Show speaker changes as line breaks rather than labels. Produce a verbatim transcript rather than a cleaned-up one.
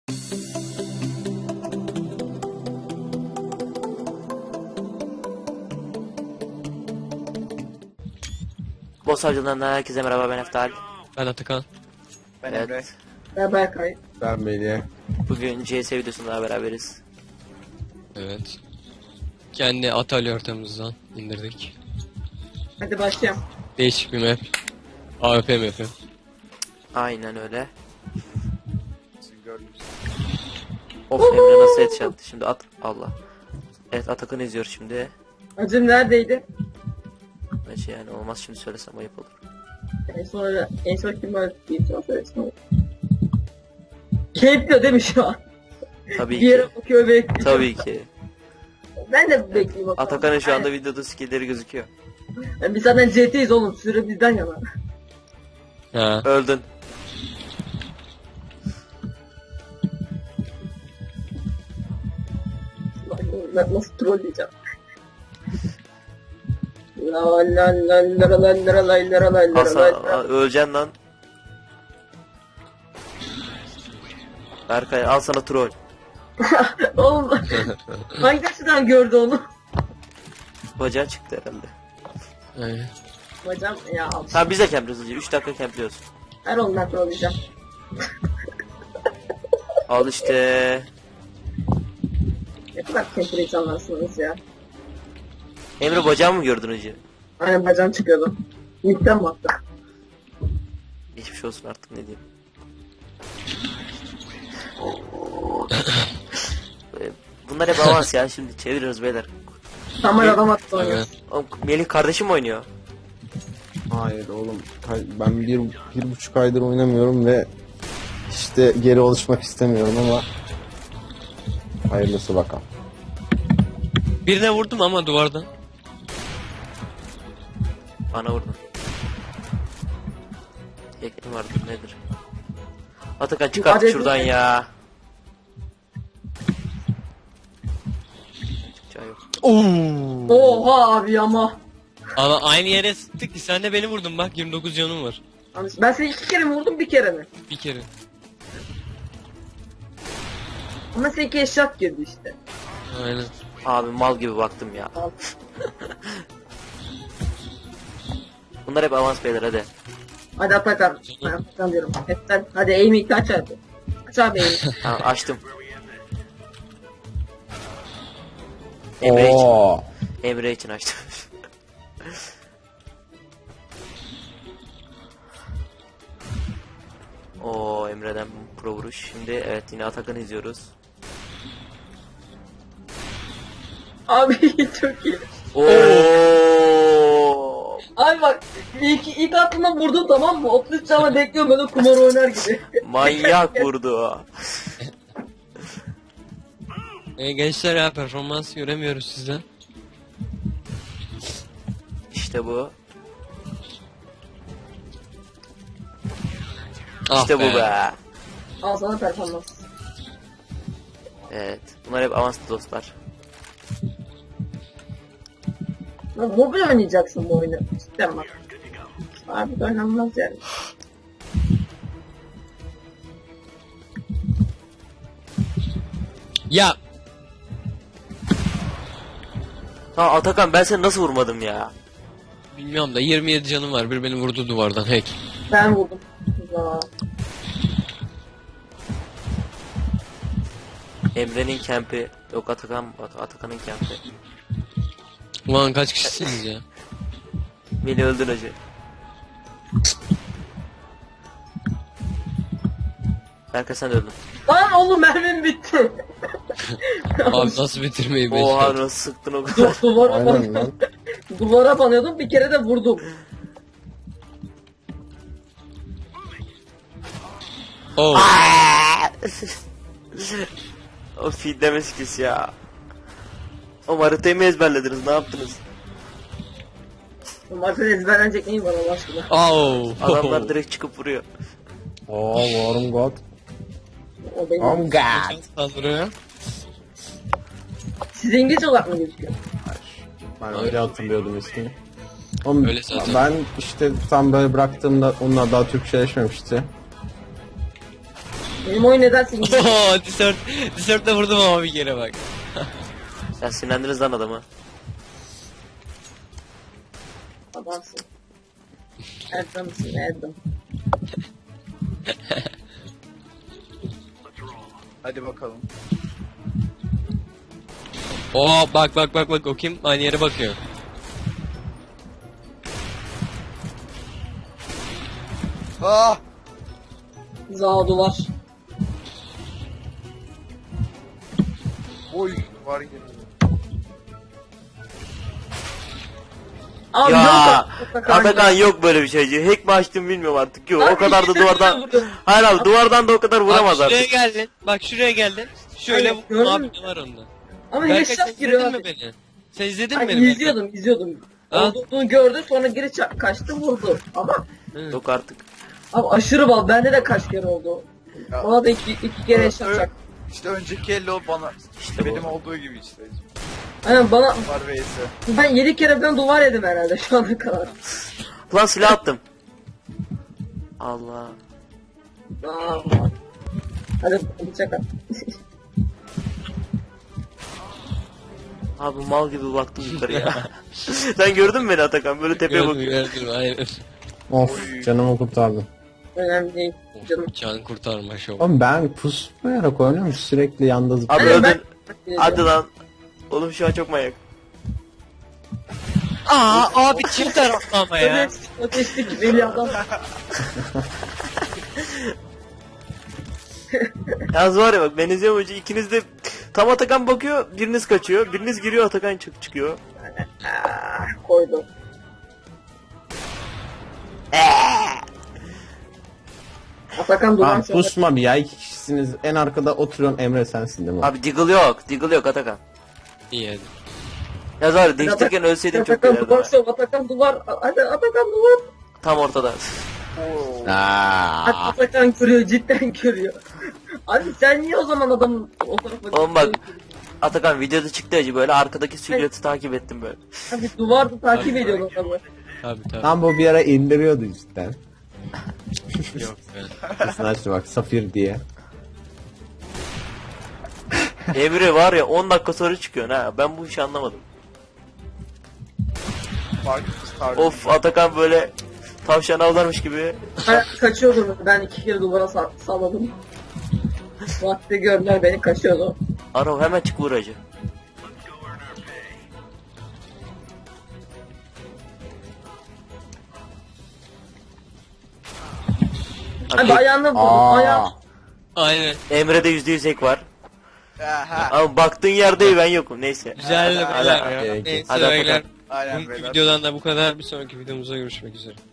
Boss Avcılarından herkese merhaba, ben Eftal.
Ben Atakan.
Ben
Evet.
Emre.
Ben Berkay.
Ben Melih.
Bugün C S videosunda beraberiz.
Evet. Kendi atölye ortamımızdan indirdik.
Hadi başlayalım.
Değişik bir map. A W P map'i.
Aynen öyle. Of, Emre nasıl headshot'tı şimdi, at Allah. Evet, Atakan izliyor şimdi.
Acım neredeydi?
Bence yani olmaz şimdi söylesem ayıp olur.
En sonra en son kim var diye sonra söylesin olur. Keyifli değil mi şu an?
Tabii
Bir
ki.
yere bakıyor bekliyor.
Tabii ki.
Ben de bekleyeyim bakalım.
Atakan'ın şu anda
Aynen.
videoda skill'leri gözüküyor.
Yani biz zaten C T'yiz oğlum. Süre bizden yana.
Ha.
Öldün.
Ben nasıl trolleyeceğim? La la la la la la la la la la la
Hasan,
la.
a- öleceksin lan. Berkay al sana troll.
Oğlum hangi açıdan gördü onu?
Bacağı çıktı herhalde.
Aynen.
Bacağım ya al.
Tamam, biz de campliyoruz hızlıca. üç dakika campliyoruz.
Her ondan trolleyeceğim.
Al işte.
Ne kadar kempir insanlarsınız ya.
Emre, bacağı mı gördün hacı?
Aynen bacağım çıkıyordu. Midden mi attı?
Geçmiş olsun artık, ne diyeyim. Ee, Bunlar hep avans ya, şimdi çeviriyoruz beyler.
Tamam adam attı onu.
Evet.
Oğlum, Melih kardeşim oynuyor.
Hayır oğlum. hay- Ben bir, bir buçuk aydır oynamıyorum ve işte geri alışmak istemiyorum ama hayırlısı bakalım.
Birine vurdum ama duvardan.
Bana vurdun. Tekne vardı nedir? Atakan çık artık
Hadi.
şuradan ya. Çıkacağı yok.
Oo.
Oha abi ama.
Ama aynı yere sıktık ki sen de beni vurdun, bak yirmi dokuz canım var.
Ben seni iki kere mi vurdum bir kere mi?
Bir kere.
Ama seninki eşyat girdi işte.
Aynen.
Abi mal gibi baktım ya.
Al.
Bunlar hep avans beyler, hadi.
Hadi Atakan. Ben Atakan diyorum. Hepten. Hadi aim'i aç hadi. Aç abi aim'i.
Tamam, açtım. Emre için.
Oo.
Emre için açtım. Oo, Emre'den pro vuruş. Şimdi evet, yine Atakan'ı izliyoruz.
Abi çok iyi.
Oo.
Abi bak ilk, ilk aklına vurdum tamam mı? otuz üç canla bekliyorum böyle kumar oynar gibi.
Manyak vurdu.
E, gençler ya, performans göremiyoruz sizden.
İşte bu.
Ah
İşte bu be.
Al sana performans.
Evet. Bunlar hep avanslı dostlar.
Lan mobil oynayacaksın bu oyunu. Cidden bak. Abi de oynanmaz yani.
Ya.
Ha Atakan, ben seni nasıl vurmadım ya?
Bilmiyorum da yirmi yedi canım var. Bir beni vurdu duvardan, hack.
Ben vurdum. Ya.
Emre'nin kempi. Yok, Atakan, At- Atakan'ın kempi.
Ulan kaç kişisiniz ya?
Beni öldün hacı. Berkay, sen de öldün.
Lan oğlum mermim bitti.
Abi nasıl bitirmeyi
Oha,
becerdin?
nasıl sıktın o kadar.
Duvara
Aynen
ban
lan.
Duvara banıyordum bir kere de vurdum.
Oh.
O feedleme skills ya. O haritayı mı ezberlediniz, ne yaptınız?
Marka ezberlenecek neyim var Allah aşkına.
Oh.
Adamlar direkt çıkıp vuruyor.
Oo, warm god.
O benim.
Oh god.
Saldırıyor.
Siz İngilizce olarak mı gözüküyor?
Ben öyle hatırlıyordum ismini. Oğlum,
Öyle zaten.
ben işte tam böyle bıraktığımda onlar daha Türkçeleşmemişti.
Benim oyun nedense İngilizce.
Ooo Discord, Discord'da vurdum ama bir kere bak.
Sen sinirlendiniz lan adamı.
Adamsın. Erdem'sin Erdem.
Hadi bakalım.
Oo bak bak bak bak o kim? Aynı yere bakıyor.
Ah!
Zağdu var.
Oy var gibi.
Abi
Ya
yok. Atakan
Atakan
ya.
yok böyle bir şey. Hack mi açtım bilmiyorum artık. Yok
Abi
o kadar da
ikisi de
duvardan.
vuruyor.
Hayır abi duvardan da o kadar vuramaz
Bak şuraya
artık.
geldin. Bak şuraya geldin. Şöyle
Hayır,
vurdum
gördün
abi
mü?
ne var onda.
Ama
Berkay sen
headshot giriyor
izledin mi
abi.
beni? Sen izledin mi
Ay,
beni?
izliyordum izliyordum.
Ha?
Olduğunu gördü sonra geri ça- kaçtı vurdu. Ama
Berkay? Hı.
Yok artık.
abi aşırı bal. Bende de kaç kere oldu.
Ya.
Bana da iki, iki kere headshot çaktı.
İşte önceki elle o bana.
İşte
Benim
bu.
olduğu gibi işte.
Aynen bana
Var vs.
ben yedi kere falan duvar yedim herhalde şu ana kadar.
Lan silah attım. Allah.
Aa, hadi bıçak at.
Abi mal gibi baktım yukarıya. Sen gördün mü beni Atakan? Böyle tepeye
Gördüm
bakıyor.
gördüm aynen.
Of canımı kurtardın.
Önemli değil canım.
Can kurtarma şov.
Oğlum ben pusmayarak oynuyorum sürekli yanda
Abi
zıplıyorum.
Aynen,
öldün.
ben-
Hadi lan. Oğlum şu an çok manyak.
Aa abi çift taraflı ama ya.
Öyle ateşlik deli adam.
Yalnız var ya bak ben izliyorum önce ikiniz de tam Atakan bakıyor biriniz kaçıyor biriniz giriyor Atakan çık çıkıyor.
Ah, koydu. Atakan duran
Tamam
sonra.
pusma bir ya, iki kişisiniz, en arkada oturuyorsun, Emre sensin değil mi?
Abi Diggle yok Diggle yok Atakan.
İyi hadi.
Yalnız var ya değiştirirken ölseydim çok
Atakan
gülerdim.
duvar
ha.
şov. Atakan duvar. Hadi Atakan duvar.
Tam ortada.
Oo.
Aa,
Atakan görüyor cidden görüyor. Abi sen niye o zaman adamın o tarafa
Oğlum bak Atakan videoda çıktı acı böyle arkadaki silüeti takip ettim böyle.
Abi duvarda takip ediyor adamı.
Tabii tabii.
tam bu bir ara indiriyordu cidden.
Yok be.
Kesin açtı bak Safir diye.
Emre var ya on dakika sonra çıkıyorsun ha ben bu işi anlamadım.
Fark tarzı.
Of Atakan böyle tavşan avlarmış gibi.
Ben kaçıyordum. Ben iki kere duvara sa- salladım. Vakti gördüler beni kaçıyordu.
Arav hemen çık vur acı.
Abi ayağına vurdum.
Aa,
Ayağım.
Aynen.
Emre'de yüzde yüz ek var.
Aha.
Ama baktığın yerde ben yokum neyse.
Güzel de
Hadi,
beyler
hadi,
ya.
hadi.
Neyse
Hadi
beyler.
Aynen
Bugünkü
beyler.
videodan da bu kadar. Bir sonraki videomuzda görüşmek üzere.